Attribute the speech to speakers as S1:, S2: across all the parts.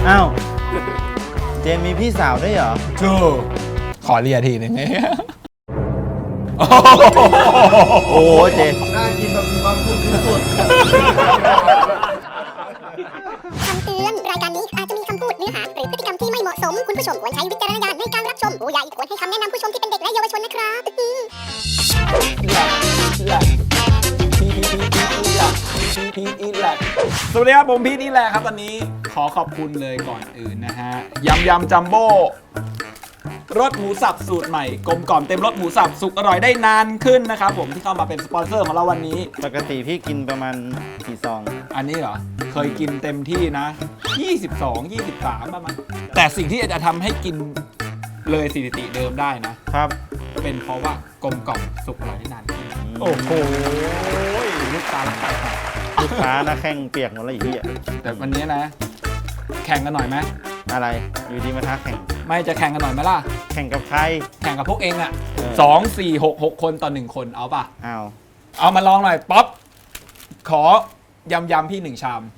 S1: อ้าวเจมมีพี่สาวด้วยเหรอ
S2: จูขอเรียทีหนึ่ง
S1: โอ้โหเจม
S3: น่ากินแบบมีความสุขที่สุด
S4: คำเตือนรายการนี้อาจจะมีคำพูดเนื้อหาหรือพฤติกรรมที่ไม่เหมาะสมคุณผู้ชมควรใช้วิจารณญาณในการรับชมผู้ใหญ่ควรให้คำแนะนำผู้ชมที่เป็นเด็กและเยาวชนนะครับ
S2: สวัสดีครับผมพีทนี่แหละครับตอนนี้ขอขอบคุณเลยก่อนอื่นนะฮะยำจัมโบ้รสหมูสับสูตรใหม่กลมกล่อมเต็มรสหมูสับสุกอร่อยได้นานขึ้นนะครับผมที่เข้ามาเป็นสปอนเซอร์ของเราวันนี้
S1: ปกติพี่กินประมาณกี่ซอง
S2: อันนี้เหรอเคยกินเต็มที่นะ22 23ประมาณแต่สิ่งที่จะทำให้กินเลยสถิติเดิมได้นะครับเป็นเพราะว่ากลมกล่อมสุกอร่อยได้นานขึ้นโอ้โหลูกตาลไป
S1: ลูกค้านะแข้งเปียกหมดแล้วอีกที่
S2: แต่วันนี้นะแข่งกันหน่อยไหม
S1: อะไรอยู่ดีมาท้าแข่ง
S2: ไม่จะแข่งกันหน่อยไหมล่ะ
S1: แข่งกับใคร
S2: แข่งกับพวกเองอ่ะ2 4 6 6คนต่อ1คนเอาป่ะเอามาลองหน่อยป๊อปขอยำพี่1 ชาม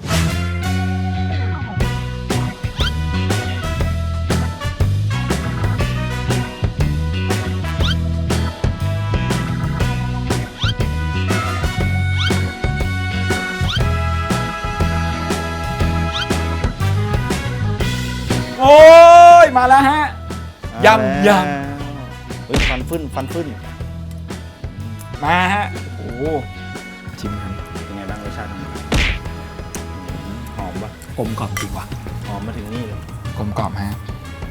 S2: โอ้ยมาแล้วฮะยำ
S1: เฮ้ยฟันฟึ่น
S2: มาฮะโอ้ชิมกัน
S1: เป็นไงบ้างรสชาติหอมปะ
S2: กลมกล่อมจริงว่ะ
S1: หอมมาถึงนี่เลย
S2: กลมกล่อมฮะ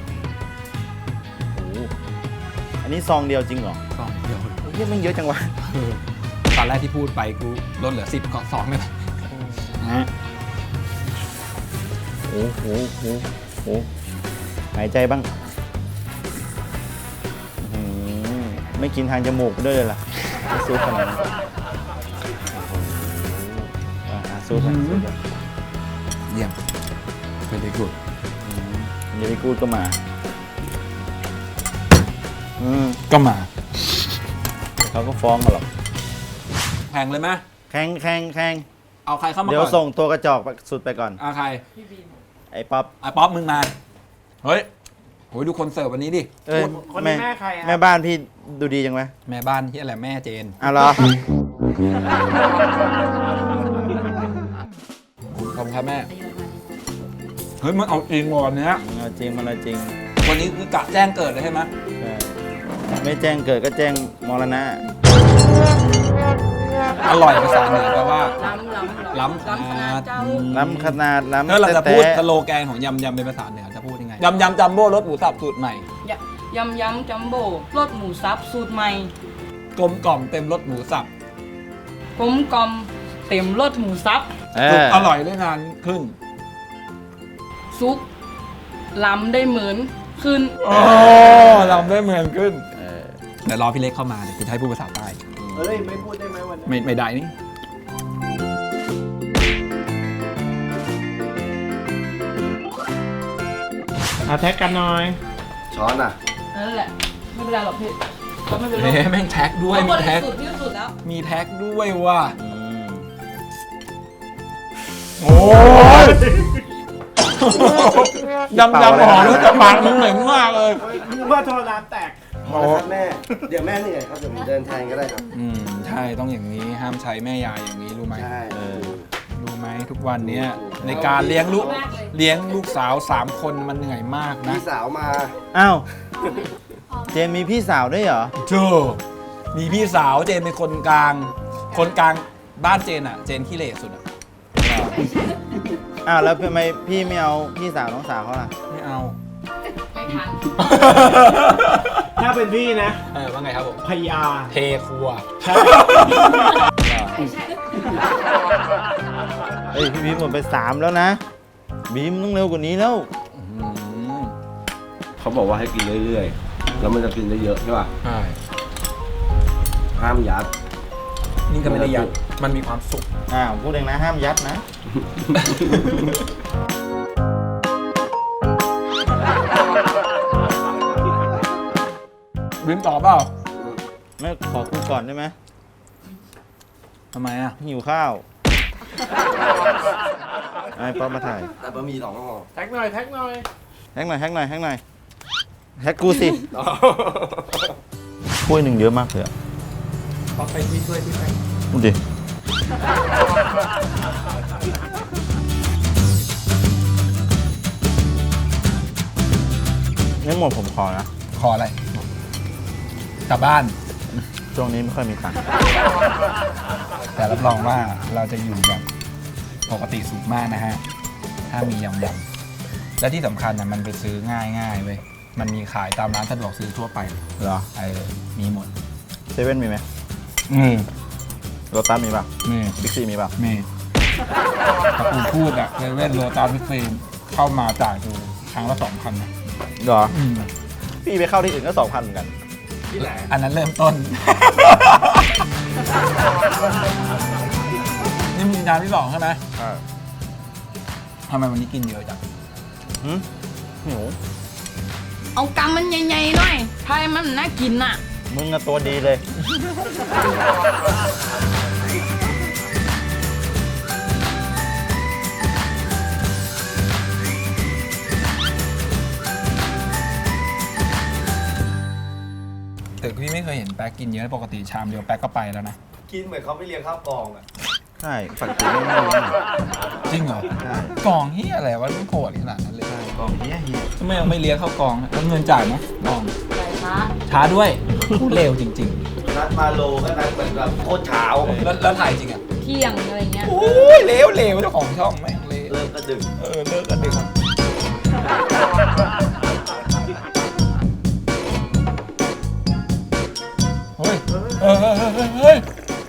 S1: โอ้อันนี้ซองเดียวจริงเหรอ
S2: ซองเดียว
S1: เยอะมันเยอะจังวะ
S2: ตอนแรกที่พูดไปกูลดเหลือ10ก็2เลยฮะ
S1: โอ้โหหายใจบ้างไม่กินทางจมูกด้วยเลยล่ะซูปขนาดนั้นซูป
S2: เยี่ยมเป็นดีกูด
S1: เดี๋ยวกูดก็มาเขาก็ฟ้องกันหรอก
S2: แข่งเลยไหม
S1: แข่ง
S2: เอาใครเข้ามาก่อน
S1: เดี๋ยวส่งตัวกระจอกสุดไปก่อน
S2: ใคร
S1: ไอ้ป๊
S2: อปมึงมาเฮ้ยโหดูคนเสิร์ฟวันนี้ดิ
S3: คนนี้แม่ใคร
S1: แม่บ้านพี่ดูดีจังไหม
S2: แม่บ้านที่อะไรแม่เจน
S1: เหรอ
S2: ขอบคุณครับแม่เฮ้ยมันเอาจริงวันนี้
S1: เอาจริงมันเอาจริง
S2: วันนี้คือกะแจ้งเกิดเลยใช่ไหม
S1: ไม่แจ้งเกิดก็แจ้งมรณะ
S2: อร่อยภาษาเหนือแปลว่าล้ำ
S1: ขนาด
S2: ถ้าเราจะพูดสโลแกนของยำเป็นภาษาเหนือจะพูดยังไงยำจัมโบ้รสหมูสับสูตรใหม่
S5: ยำจัมโบ้รสหมูสับสูตรใหม่
S2: กลมกล่อมเต็มรสหมูสับ
S5: กลมกล่อมเต็มรสหมูสับ
S2: สุกอร่อยได้นานขึ้น
S5: ซุกล้ำได้เหมือนขึ้น
S2: ล้ำได้เหมือนขึ้นเดี๋ยวรอพี่เล็กเข้ามาเดี๋ยวจะให้พูดภาษาใต้
S3: ไม่พูดได้ไหมวันนี้
S2: ไม่ได้นี่
S3: แท็กกันหน่อย
S1: ช้อนอ่ะ
S5: นั่นแหละไม่เป็นไรหรอกพี่ไม่เป็นไร
S2: แม่งแท็กด้วยมีแท็ก
S5: สุดแล้ว
S2: มีแท็กด้วยว่ะโอ้ยยำหอมแล้วจะปากมึงเหม็นมากเลย
S3: มึงว่าโทรน้ำแตกแม่เดี๋ยวแม่เหนื่อยครับเดี๋ยวผมเดินแทนก็ได้ครับ
S2: ใช่ต้องอย่างนี้ห้ามใช้แม่ยายอย่างนี้รู้ไหม
S3: ใช่
S2: รู้ไหมทุกวันนี้ในการเลี้ยงลูกสาว3 คนมันเหนื่อยมากนะ
S3: พี่สาวมา
S1: อ้าวเจมมีพี่สาวด้วยเหรอ
S2: มีพี่สาวเจนเป็นคนกลางบ้านเจนอ่ะเจนขี้เหร่สุดอ่ะ
S1: อ้าวแล้วทำไมพี่ไม่เอาพี่สาวน้องสาวเขาล่ะ
S2: ไม่เอา
S5: ไม่ทัน
S3: ถ้าเป็นพี่นะ
S2: ว่าไงครับผม
S3: พยา
S2: เทครัว
S3: ใช่
S1: เฮ้ยพี่บีมหมดไป3แล้วนะบีมต้องเร็วกว่านี้แล้ว
S6: เขาบอกว่าให้กินเรื่อยๆแล้วมันจะกินได้เยอะใช่ป่ะ
S2: ใช่
S6: ห้ามยัด
S2: นี่ก็ไม่ได้ยัดมันมีความสุข
S1: พูดเองนะห้ามยัดนะ
S2: บิมตอบเปล่า
S1: ไม่ขอคุยก่อนได้ไหม
S2: ทำไมอ่ะ
S1: หิวข้าวไอ้ป๊อปมาถ่าย
S3: แต่บะหมี่2 ห่อ
S2: แท็กหน่อย
S1: แฮกหน่อยแฮกหน่อยแฮกกูสิถ้วยหนึ่งเยอะมากเลยอะ
S2: ขอไปที่ช่วยที่ไป
S1: ดูดินี่หมดผมขอนะ
S2: ขออะไรกลับบ้าน
S1: ช่วงนี้ไม่ค่อยมีตังค์
S2: แต่รับรองว่าเราจะอยู่แบบปกติสุขมากนะฮะ ถ้ามียำและที่สำคัญนะมันไปซื้อง่ายเว้ย มันมีขายตามร้านสะดวกซื้อทั่วไป
S1: เหรอ
S2: มีหมด
S1: เซเว่นมีไหม
S2: มี
S1: โรตัสมีป่ะ
S2: มี
S1: บิ๊กซีมีป่ะ
S2: มีถ้ากูพูดอะเล่นโรตาร์พิเศษเข้ามาจ่ายดูครั้งละ2,000นะ
S1: เหรอ พี่ไปเข้าที่อื่นก็ 2,000เหมือนกัน
S2: อันนั้นเริ่มต้น นี่มีจานที่2ใช่ไหมทำไมวันนี้กินเยอะจัง
S1: หิว
S5: เอากำมันใหญ่ๆหน่อยถ้าให้มันน่ากินน่ะ
S1: มึงอะตัวดีเลย
S2: แต่พี่ไม่เคยเห็นแป๊กกินเยอะปกติชามเดียวแป๊กก็ไปแล้วนะ
S3: กินเหมือนเขาไม่เลี้ยงข้าวกล่องอ่ะ
S1: ใช่ปกติไม่รู้นะ
S2: จริงเหรอ
S1: ใช่
S2: กล่องเฮียอะไรวะต้องโกรธขนาดนั้นเลย
S1: กล่องเฮีย
S2: ทำไมยังไม่เลี้ยงเข้ากล่องแล้วเงินจ่ายไหมกล่อง
S5: ใส่ช้า
S2: ช้าด้วยเร็วจริง
S3: นัดมาโลก็นัดเหมือนแบบโคตรเช้า
S2: ๆ แล้วถ่ายจริงอ่ะ
S5: เที่ยงอะไรเงี้ย
S2: โอ้ยเร็วเจ้าของช่องแม่งเละ
S3: เลิกก็ดึก
S2: เลิกกันดึกเฮ้ยเฮ้ย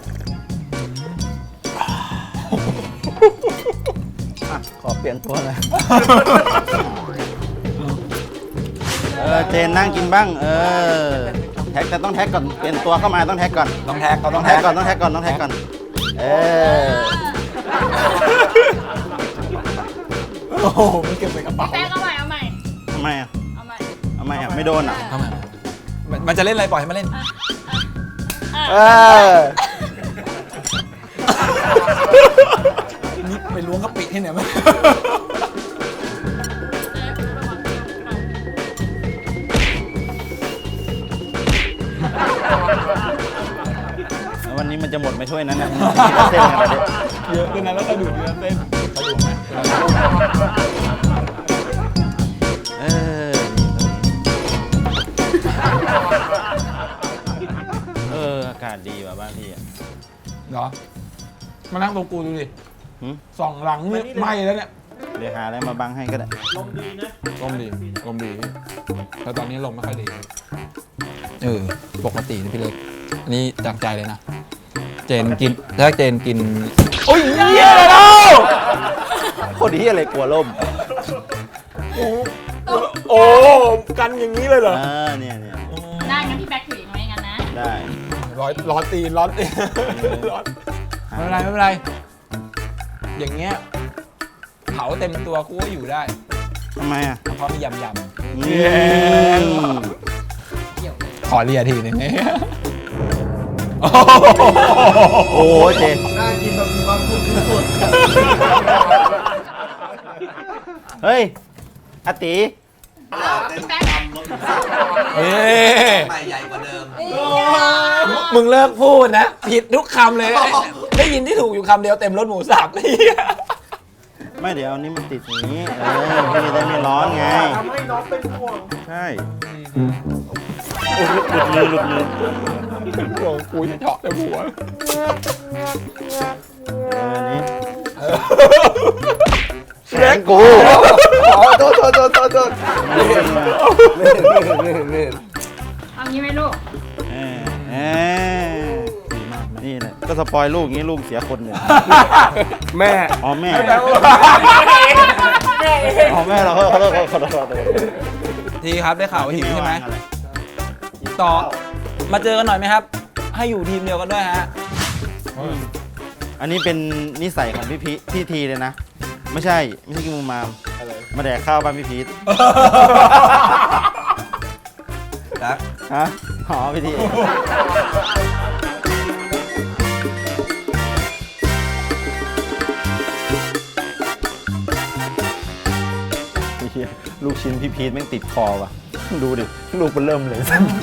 S1: ขอเปลี่ยนตัวเลย เจนนั่งกินบ้าง แท็กแต่ต้องแท็กก่อน เปลี่ยนตัวเข้ามาต้องแท็กก่อน
S2: ต้องแท็กเขา
S1: ต้องแท็กก่อน ต้องแท็กก่อน ต้องแท็กก่อน
S2: โอ้โหมันเก็บใส่กระเป๋า
S5: แป้งเอาใหม่
S1: ทำไมอ่ะ
S5: เอาใหม่
S1: ทำไมอ่ะ ไม่โดนอ่ะ
S2: ทำไมมันจะเล่นอะไรปล่อยให้มันเล่น นี่ไปล้วงกะปิที่ไหนมา
S1: วันนี้มันจะหมดไหมถ้วยนั้นนะเส้นกันไปดิ
S2: เยอะขึ้นนะแล้วกระดูกเนื้อเส้นกระดูกไหม
S1: อากาศดีว่ะบ้านพี่อ่ะ
S2: เหรอ มานั่งตรงกูดูดิ
S1: หืม
S2: สองหลังนี่ไหม้แล้วเนี่ย
S1: เดี๋ยวหาอะไรมาบังให้ก็ได้
S2: ลมดีแต่ตอนนี้ลมไม่ค่อยดีปกตินะพี่เล็กอันนี้จากใจเลยนะ เจนกินถ้าเจนกินโอ้ยเหี้ยแล้ว
S1: โคตรดีอะไรกลัวล่ม
S2: โอ้กันอย่างนี้เลยเหรอ
S1: เนี่ย
S5: ได้งั้นพี่แบ็คถืออย่างไรงั้นนะ
S1: ได้
S2: ร้อนตีนร้อนไม่เป็นไรอย่างเงี้ยเผาเต็มตัวกูก็อยู่ได้
S1: ทำไมอ่ะ
S2: เพราะมียำ
S1: เนี่ย
S2: ขอเรียทีนึงเนี่ย
S1: โอ้เจ
S3: น่ากินแบบมีความสุขที่สุด
S1: เฮ้ยอาติ
S5: พี่แบ็ค
S3: ใหม่ใหญ่กว่าเดิม
S2: มึงเลิกพูดนะ ผิดทุกคำเลย ได้ยินที่ถูกอยู่คำเดียวเต็มรถหมูสับเลย
S1: ไม่เดี๋ยวอันนี้มันติดอย่างนี้ พี่จะได้ไม่ร้อนไง
S3: ทำให้น้องเป็นห่วง
S1: ใช่โอ้หลุดมือ
S2: โอ้กูจะเจาะแต่หัว
S1: อันนี้
S2: แขนกู
S3: โทษ
S5: เอางี้ไหมลูก
S1: นี่แหละก็สปอยลูกงี้ลูกเสียคนหนึ่ง
S3: แม่
S1: อ๋อแม่อ๋อแม่เราขอโทษ
S2: ทีครับได้ข่าวว่าหิวใช่ไหมต่อมาเจอกันหน่อยไหมครับ ให้อยู่ทีมเดียวกันด้วยฮะ
S1: อันนี้เป็นนิสัยของพี่ทีเลยนะ ไม่ใช่กินมูมามมาแดกข้าวบ้านพี่พีทฮะอ๋อพี่ทีหี้ยลูกชิ้นพี่พีทแม่งติดคอว่ะ ดูดิ ลูกมันเริ่มเลย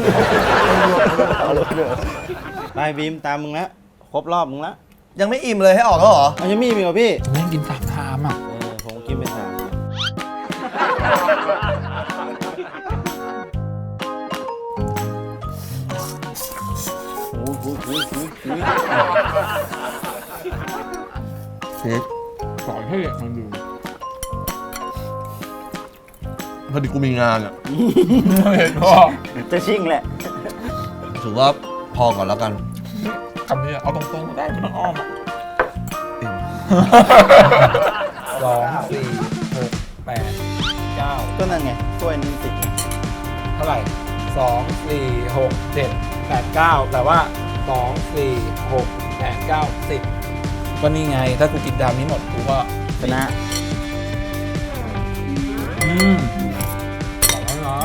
S1: ไปบีมตามมึงละครบรอบมึงละ
S3: ยังไม่อิ่มเลยให้ออกแล้วเหรอ
S1: เอายังมีอีกเหรอพี่
S2: แม่งกิน3 ชามอ่ะ
S1: ผมกินไป3
S2: สอนให้มันดู
S3: พอดีกูมีงานอ่ะ
S2: เห็นพ่อ
S1: จะชิ่งแหละ
S3: ถือว่าพอก่อนแล้วกัน
S2: คำนี้เอาตรงๆได้ไม่ต้องอ้อมอ่ะ 2 4 6 8 9
S1: ก็นั่นไงถ้วยนึงติด
S2: เท่าไหร่ 2 4 6 7 8 9 แต่ว่า 2 4 6 8 9 10 ก็นี่ไง ถ้ากูกินดามนี้หมดกูก็
S1: ชนะ
S2: ขอบคุณเนาะ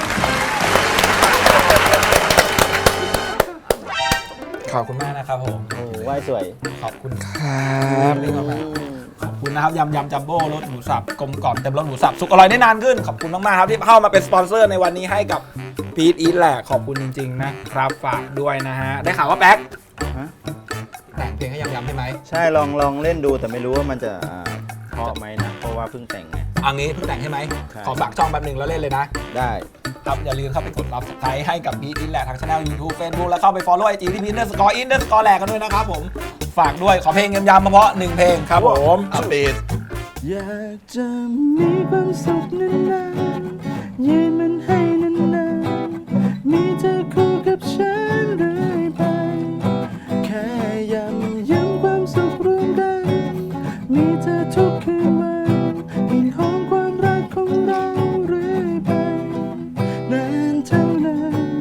S2: ขอบคุณมากนะครับผม
S1: โอ้ไหว้สวย
S2: ขอบคุณครับนี่ก็มาขอบคุณนะครับยำจัมโบ้รสหมูสับกลมกล่อมเต็มรสหมูสับสุกอร่อยได้นานขึ้น ขอบคุณมากๆครับที่เข้ามาเป็นสปอนเซอร์ในวันนี้ให้กับพีทอีทแหละขอบคุณจริงๆนะครับฝากด้วยนะฮะได้ข่าวว่าแป๊ก
S1: ฮะ
S2: แต่งเพลงให้ยำใช่ไหม
S1: ใช่ลองเล่นดูแต่ไม่รู้ว่ามันจะเพราะไหมนะ เพราะว่าเพิ่งแต่งไง
S2: อันนี้เพิ่งแต่งใช่ไหม
S1: ใช่
S2: ขอฝากช่องแป๊บหนึงแล้วเล่นเลยนะ
S1: ได้
S2: ครับอย่าลืมเข้าไปกด Subscribe ให้กับพีทอีทแหละทางช่อง YouTube Facebook แล้วเข้าไป Follow IG ที่พีท_in_ แหลกกันด้วยนะครับผมฝากด้วยขอเพลงยำๆมาเพราะ1เพลงครับผมอัปเดต
S1: อยากจะมีความสุขนานๆยืนมันให้นานๆมีเธอคู่กับฉันเรื่อยไป แค่ย้ำความสุขร่วมกัน มีเธอทุกคืนวันกลิ่นหอมความรักของเราเรื่อยไปนานเท่านั้น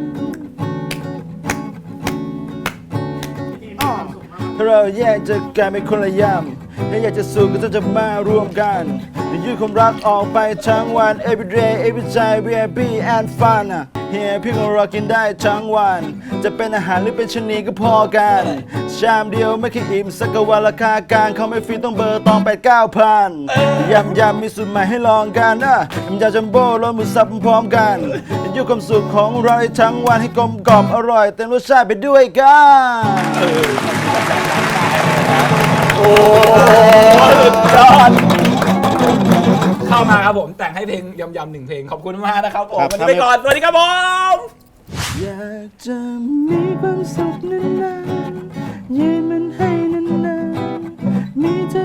S1: เราแยกจากกันเป็นคนละยามถ้าอยากจะสู้ก็ต้องจะมารวมกันจะยืดความรักออกไปทั้งวัน every day every time we happy and fun เฮียพี่ของเรากินได้ทั้งวัน จะเป็นอาหารหรือเป็นชนีก็พอกันชามเดียวไม่เคยอิ่มสักวันราคากลางเขาไม่ฟรีต้องเบอร์ตอง8-9,000ยำมีสูตรใหม่ให้ลองกันยำจัมโบ้รสหมูสับพร้อมกันยืดความสุขของเราให้ทั้งวันให้กลมกล่อมอร่อยเต็มรสชาติไปด้วยกัน
S2: โอ้สุดยอดเข้ามาครับผมแต่งให้เพลงยำๆ1เพลงขอบคุณมากนะครับผม
S1: ครับ
S2: วันนี้ไปก่อนสวัสดีครับผม
S1: อยากจะมีความสุขนานๆยืนมันให้นานๆมีเธอ